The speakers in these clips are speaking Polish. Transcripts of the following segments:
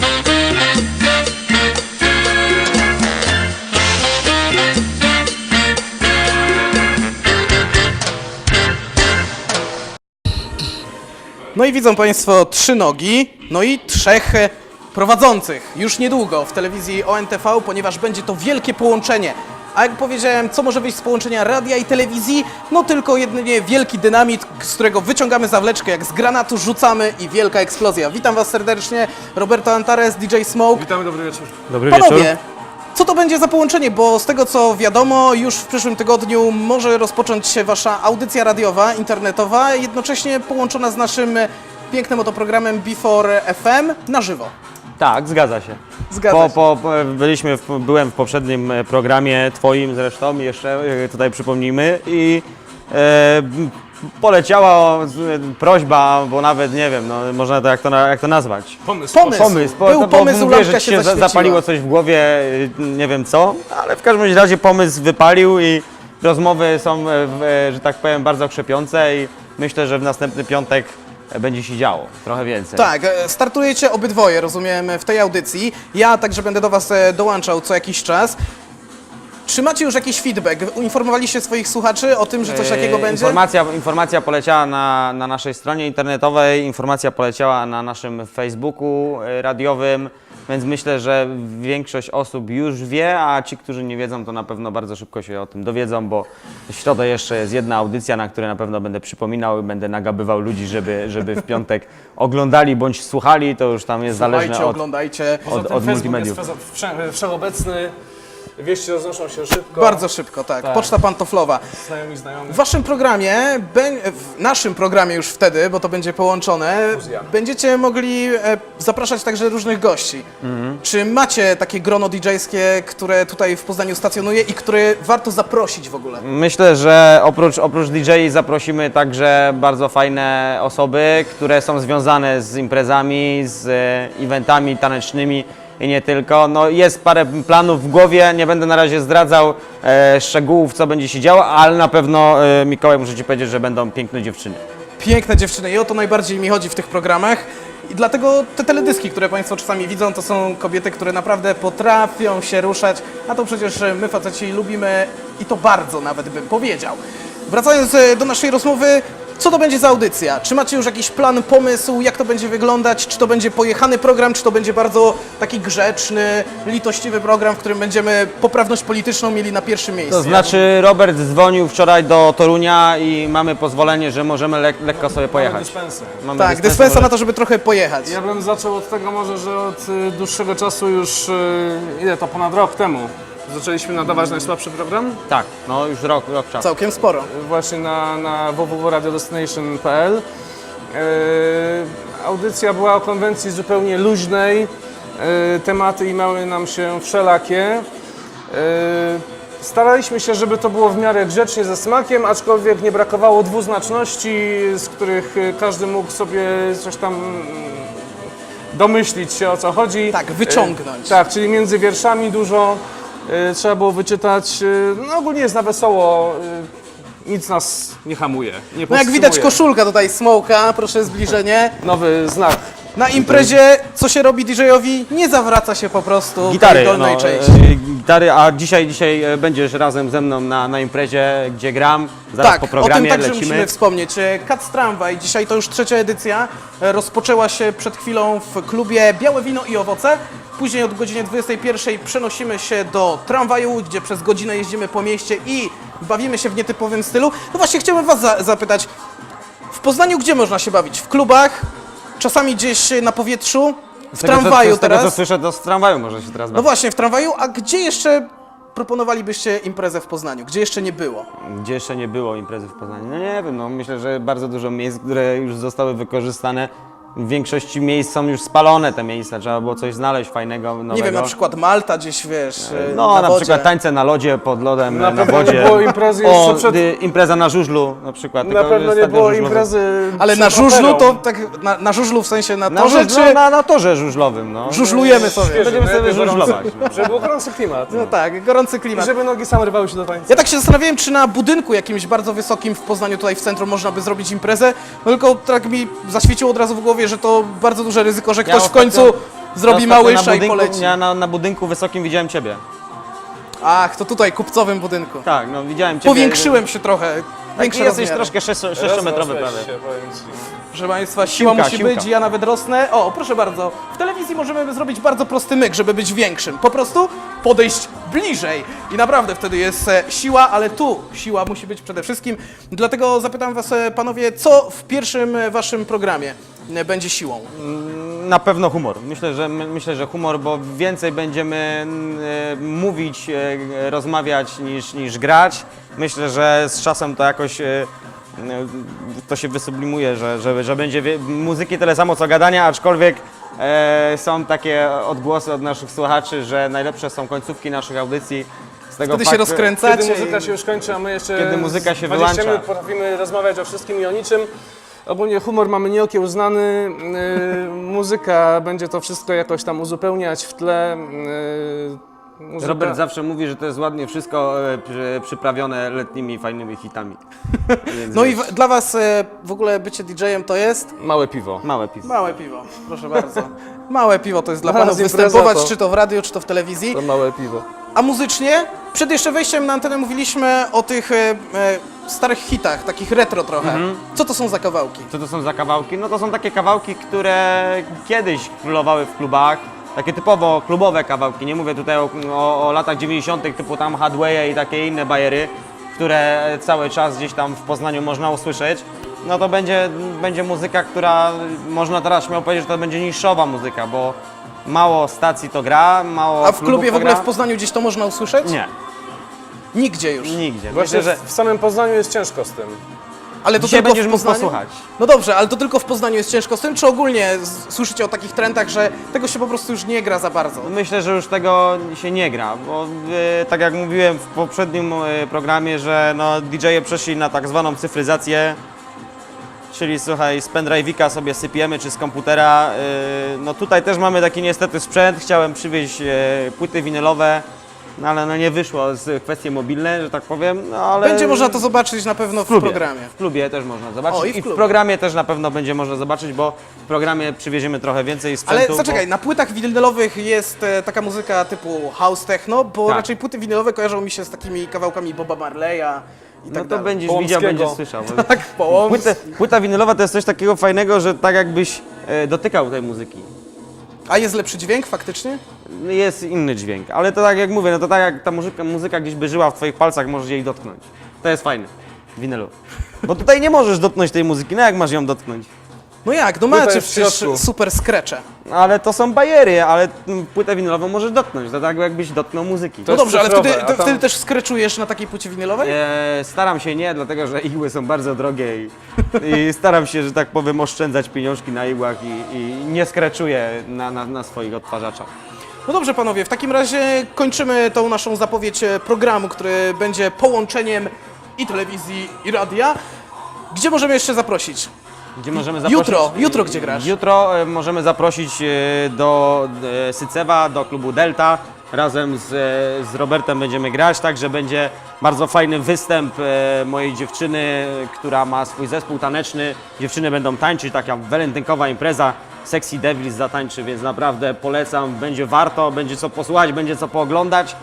No i widzą Państwo 3 nogi, no i 3 prowadzących już niedługo w telewizji ONTV, ponieważ będzie to wielkie połączenie. A jak powiedziałem, co może wyjść z połączenia radia i telewizji? No tylko jedynie wielki dynamit, z którego wyciągamy zawleczkę, jak z granatu rzucamy i wielka eksplozja. Witam Was serdecznie, Roberto Antares, DJ Smoke. Witamy, dobry wieczór. Dobry Panowie, wieczór. co to będzie za połączenie? Bo z tego co wiadomo, już w przyszłym tygodniu może rozpocząć się Wasza audycja radiowa, internetowa, jednocześnie połączona z naszym pięknym oto programem Before FM na żywo. Tak, zgadza się. Zgadza się. Byłem w poprzednim programie twoim zresztą, jeszcze tutaj przypomnijmy i poleciała prośba, bo nawet nie wiem, no, można to jak to nazwać. Pomysł. Był pomysł, mówię, lampka że się ci się zaświeciła. zapaliło coś w głowie, nie wiem co, ale w każdym razie pomysł wypalił i rozmowy są, że tak powiem, bardzo krzepiące i myślę, że w następny piątek będzie się działo trochę więcej. Tak, startujecie obydwoje, rozumiem, w tej audycji. Ja także będę do Was dołączał co jakiś czas. Czy macie już jakiś feedback? Uinformowaliście swoich słuchaczy o tym, że coś takiego będzie? Informacja poleciała na naszej stronie internetowej, informacja poleciała na naszym Facebooku radiowym, więc myślę, że większość osób już wie, a ci, którzy nie wiedzą, to na pewno bardzo szybko się o tym dowiedzą, bo w środę jeszcze jest jedna audycja, na której na pewno będę przypominał i będę nagabywał ludzi, żeby w piątek oglądali bądź słuchali, to już tam jest zależne Oglądajcie. od multimediów. Jest wszechobecny, wieści roznoszą się szybko. Bardzo szybko, tak. Poczta pantoflowa. Znajomi. W Waszym programie, w naszym programie już wtedy, bo to będzie połączone, będziecie mogli zapraszać także różnych gości. Czy macie takie grono DJ-skie, które tutaj w Poznaniu stacjonuje i które warto zaprosić w ogóle? Myślę, że oprócz DJ zaprosimy także bardzo fajne osoby, które są związane z imprezami, z eventami tanecznymi i nie tylko. No, jest parę planów w głowie, nie będę na razie zdradzał szczegółów, co będzie się działo, ale na pewno, Mikołaj, muszę Ci powiedzieć, że będą piękne dziewczyny. Piękne dziewczyny i o to najbardziej mi chodzi w tych programach. I dlatego te teledyski, które Państwo czasami widzą, to są kobiety, które naprawdę potrafią się ruszać, a to przecież my faceci lubimy i to bardzo nawet bym powiedział. Wracając do naszej rozmowy, co to będzie za audycja? Czy macie już jakiś plan, pomysł, jak to będzie wyglądać? Czy to będzie pojechany program, czy to będzie bardzo taki grzeczny, litościwy program, w którym będziemy poprawność polityczną mieli na pierwszym miejscu? To znaczy, Robert dzwonił wczoraj do Torunia i mamy pozwolenie, że możemy lekko sobie pojechać. Dyspensę. Mamy Tak, dyspensa na to, żeby trochę pojechać. Ja bym zaczął od tego może, że od dłuższego czasu już, ile to, ponad rok temu, zaczęliśmy nadawać najsłabszy program. Tak, no już rok czasu. Całkiem sporo. Właśnie na www.radiodestination.pl. Audycja była o konwencji zupełnie luźnej, tematy imały nam się wszelakie. Staraliśmy się, żeby to było w miarę grzecznie, ze smakiem, aczkolwiek nie brakowało dwuznaczności, z których każdy mógł sobie coś tam domyślić się, o co chodzi. Tak, wyciągnąć. Tak, czyli między wierszami dużo trzeba było wyczytać. No ogólnie jest na wesoło, nic nas nie hamuje, nie No jak widać powstrzymuje. koszulka tutaj Smoke'a, proszę zbliżenie. Nowy znak. Na imprezie, co się robi DJ-owi? Nie zawraca się po prostu Gitary, tej dolnej no, części. gitary, a dzisiaj będziesz razem ze mną na imprezie, gdzie gram, zaraz Tak, po o tym programie także lecimy. musimy wspomnieć. Kac Tramwaj, dzisiaj to już 3. edycja, rozpoczęła się przed chwilą w klubie Białe Wino i Owoce. Później od godziny 21 przenosimy się do tramwaju, gdzie przez godzinę jeździmy po mieście i bawimy się w nietypowym stylu. No właśnie, chciałbym Was zapytać, w Poznaniu gdzie można się bawić? W klubach? Czasami gdzieś na powietrzu? W tramwaju Z tego co teraz? słyszę, to z tramwaju może się teraz No bawić. właśnie, w tramwaju. A gdzie jeszcze proponowalibyście imprezę w Poznaniu? Gdzie jeszcze nie było? Gdzie jeszcze nie było imprezy w Poznaniu? No nie wiem, no myślę, że bardzo dużo miejsc, które już zostały wykorzystane. W większości miejsc są już spalone te miejsca, trzeba było coś znaleźć fajnego, nowego. Nie wiem, na przykład Malta gdzieś, wiesz, No, na na wodzie. przykład tańce na lodzie, pod lodem, Na na pewno nie wodzie. było imprezy jeszcze przed- Impreza na żużlu na przykład. Na tylko pewno nie stadion było żużlowy. imprezy. Ale na przed żużlu operą. to tak, na żużlu w sensie na Na, torze, czy na torze żużlowym, no. żużlujemy sobie? Świeży, Będziemy sobie najlepiej żużlować. gorący. Żeby był gorący klimat. No tak, gorący I klimat. żeby nogi same rywały się do tańca. Ja tak się zastanawiałem, czy na budynku jakimś bardzo wysokim w Poznaniu, tutaj w centrum, można by zrobić imprezę, no tylko tak mi zaświeciło od razu w głowie, że to bardzo duże ryzyko, że ktoś w końcu zrobi Ostatnio małysza i poleci. Ja na budynku wysokim widziałem ciebie. Ach, to tutaj, kupcowym budynku. Tak, no widziałem ciebie. Powiększyłem się trochę. Tak, Większe jesteś rozmiary. troszkę 6-metrowy prawie. Się, powiem ci. Proszę Państwa, siła Siłka, musi siłka. być, ja nawet rosnę. O, proszę bardzo, w telewizji możemy zrobić bardzo prosty myk, żeby być większym. Po prostu podejść bliżej i naprawdę wtedy jest siła, ale tu siła musi być przede wszystkim. Dlatego zapytam Was, panowie, co w pierwszym waszym programie będzie siłą? Na pewno humor. Myślę, że humor, bo więcej będziemy mówić, rozmawiać niż grać. Myślę, że z czasem to jakoś to się wysublimuje, że będzie muzyki tyle samo co gadania, aczkolwiek są takie odgłosy od naszych słuchaczy, że najlepsze są końcówki naszych audycji. Z tego Wtedy się faktu, rozkręcacie. Kiedy muzyka się już kończy, a my jeszcze Kiedy muzyka się 20 wyłącza. minut potrafimy rozmawiać o wszystkim i o niczym. Ogólnie humor mamy nieokiełznany, muzyka będzie to wszystko jakoś tam uzupełniać w tle. Muzyka... Robert zawsze mówi, że to jest ładnie wszystko przyprawione letnimi, fajnymi hitami. Więc No i dla Was w ogóle bycie DJ-em to jest? Małe piwo. małe piwo. Małe piwo, proszę bardzo. Małe piwo to jest dla Zaraz panów impreza występować, to- czy to w radiu, czy to w telewizji. To małe piwo. A muzycznie? Przed jeszcze wejściem na antenę mówiliśmy o tych starych hitach, takich retro trochę. Co to są za kawałki? Co to są za kawałki? No to są takie kawałki, które kiedyś królowały w klubach. Takie typowo klubowe kawałki. Nie mówię tutaj o latach 90. typu tam Hadway i takie inne bajery, które cały czas gdzieś tam w Poznaniu można usłyszeć. No to będzie muzyka, która można teraz śmiało powiedzieć, że to będzie niszowa muzyka, bo mało stacji to gra, mało A w klubów klubie w to ogóle gra. w Poznaniu gdzieś to można usłyszeć? Nie, Nigdzie już. nigdzie. Właśnie Myślę, że w samym Poznaniu jest ciężko z tym. Ale to dzisiaj tylko będziesz w mógł Poznaniu? posłuchać. No dobrze, ale to tylko w Poznaniu jest ciężko z tym, czy ogólnie słyszycie o takich trendach, że tego się po prostu już nie gra za bardzo? Myślę, że już tego się nie gra, bo tak jak mówiłem w poprzednim programie, że no, DJ-e przeszli na tak zwaną cyfryzację, czyli słuchaj, z pendrive'ika sobie sypiemy, czy z komputera. No tutaj też mamy taki niestety sprzęt, chciałem przywieźć płyty winylowe, no ale no nie wyszło z kwestie mobilne, że tak powiem, no ale... Będzie można to zobaczyć na pewno w programie. W klubie też można zobaczyć O, i w i w klubie. programie też na pewno będzie można zobaczyć, bo w programie przywieziemy trochę więcej sprzętu. Ale zaczekaj, na płytach winylowych jest taka muzyka typu house techno, bo Tak. raczej płyty winylowe kojarzą mi się z takimi kawałkami Boba Marleya i No tak to dalej. będziesz Połomskiego. widział, będziesz słyszał. Tak, Połomsk. Płyta winylowa to jest coś takiego fajnego, że tak jakbyś dotykał tej muzyki. A jest lepszy dźwięk faktycznie? Jest inny dźwięk, ale to tak jak mówię, no to tak jak ta muzyka gdzieś by żyła w twoich palcach, możesz jej dotknąć. To jest fajne w winylu. Bo tutaj nie możesz dotknąć tej muzyki, no jak masz ją dotknąć? No jak, no Płyta macie jest w przecież środku. super skrecze. Ale to są bajery, ale płytę winylową możesz dotknąć, to tak jakbyś dotknął muzyki. No jest dobrze, ale cyfrowe, wtedy, a tam- wtedy też skreczujesz na takiej płycie winylowej? Staram się nie, dlatego że igły są bardzo drogie i staram się, że tak powiem, oszczędzać pieniążki na igłach i nie skreczuję na swoich odtwarzaczach. No dobrze panowie, w takim razie kończymy tą naszą zapowiedź programu, który będzie połączeniem i telewizji, i radia. Gdzie możemy jeszcze zaprosić? Gdzie możemy zaprosić? Jutro gdzie grasz? Jutro możemy zaprosić do Sycewa, do klubu Delta. Razem z Robertem będziemy grać, także będzie bardzo fajny występ mojej dziewczyny, która ma swój zespół taneczny. Dziewczyny będą tańczyć, taka walentynkowa impreza. Sexy Devils zatańczy, więc naprawdę polecam, będzie warto, będzie co posłuchać, będzie co pooglądać.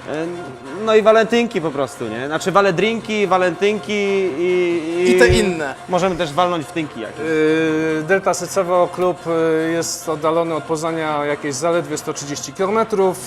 No i walentynki po prostu, nie? Znaczy waledrinki, walentynki I te inne. Możemy też walnąć w tynki jakieś. Delta Sycewo klub jest oddalony od Poznania jakieś zaledwie 130 km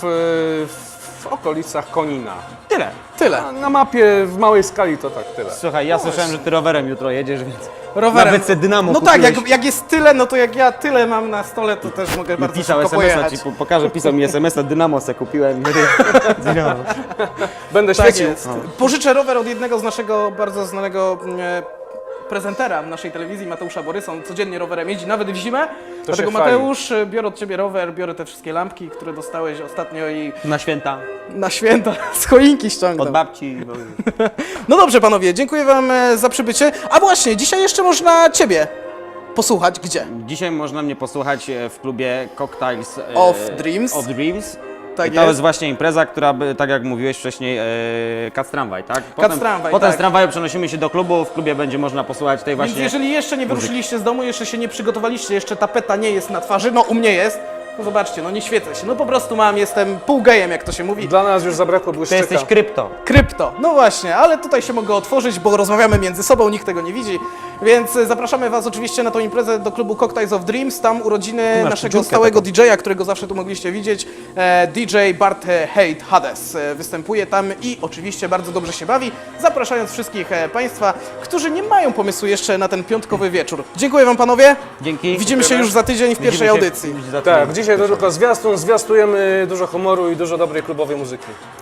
w okolicach Konina. Tyle. Tyle. Na mapie w małej skali to tak tyle. Słuchaj, ja słyszałem, że ty rowerem jutro jedziesz, więc Rowerem. nawet se Dynamo No tak, kupiłeś. jak jest tyle, no to jak ja tyle mam na stole, to też mogę bardzo Pisał szybko SMS-a, pojechać. ci pokażę, pisał mi SMS-a, Dynamo se kupiłem. Dynamo. Będę Tak świecił. jest. Pożyczę rower od jednego z naszego bardzo znanego prezentera w naszej telewizji, Mateusza Borysa. On codziennie rowerem jeździ, nawet w zimę. Dlatego się chwali. Mateusz, biorę od Ciebie rower, biorę te wszystkie lampki, które dostałeś ostatnio i Na święta, na święta z choinki od ściągnę. babci. No dobrze panowie, dziękuję Wam za przybycie. A właśnie, dzisiaj jeszcze można Ciebie posłuchać. Gdzie? Dzisiaj można mnie posłuchać w klubie Cocktails Of Dreams. Of Dreams. Tak I to jest. jest właśnie impreza, która, tak jak mówiłeś wcześniej, Kac Tramwaj, tak? Tramwaj, Potem tak. z tramwaju przenosimy się do klubu, w klubie będzie można posłuchać tej Więc właśnie... jeżeli jeszcze nie wyruszyliście z domu, jeszcze się nie przygotowaliście, jeszcze tapeta nie jest na twarzy, no u mnie jest, No zobaczcie, no nie świecę się, no po prostu jestem pół gejem, jak to się mówi. Dla nas już zabrakło Ty błyszczyka. jesteś krypto. Krypto, no właśnie, ale tutaj się mogę otworzyć, bo rozmawiamy między sobą, nikt tego nie widzi, więc zapraszamy Was oczywiście na tą imprezę do klubu Cocktails of Dreams, tam urodziny masz naszego dziurkę stałego taką. DJ-a, którego zawsze tu mogliście widzieć, DJ Bart Hate Hades występuje tam i oczywiście bardzo dobrze się bawi, zapraszając wszystkich Państwa, którzy nie mają pomysłu jeszcze na ten piątkowy wieczór. Dziękuję Wam panowie, Dzięki. widzimy się już za tydzień w pierwszej Widzimy się audycji. za tydzień. Tak, dzisiaj to tylko zwiastun, zwiastujemy dużo humoru i dużo dobrej klubowej muzyki.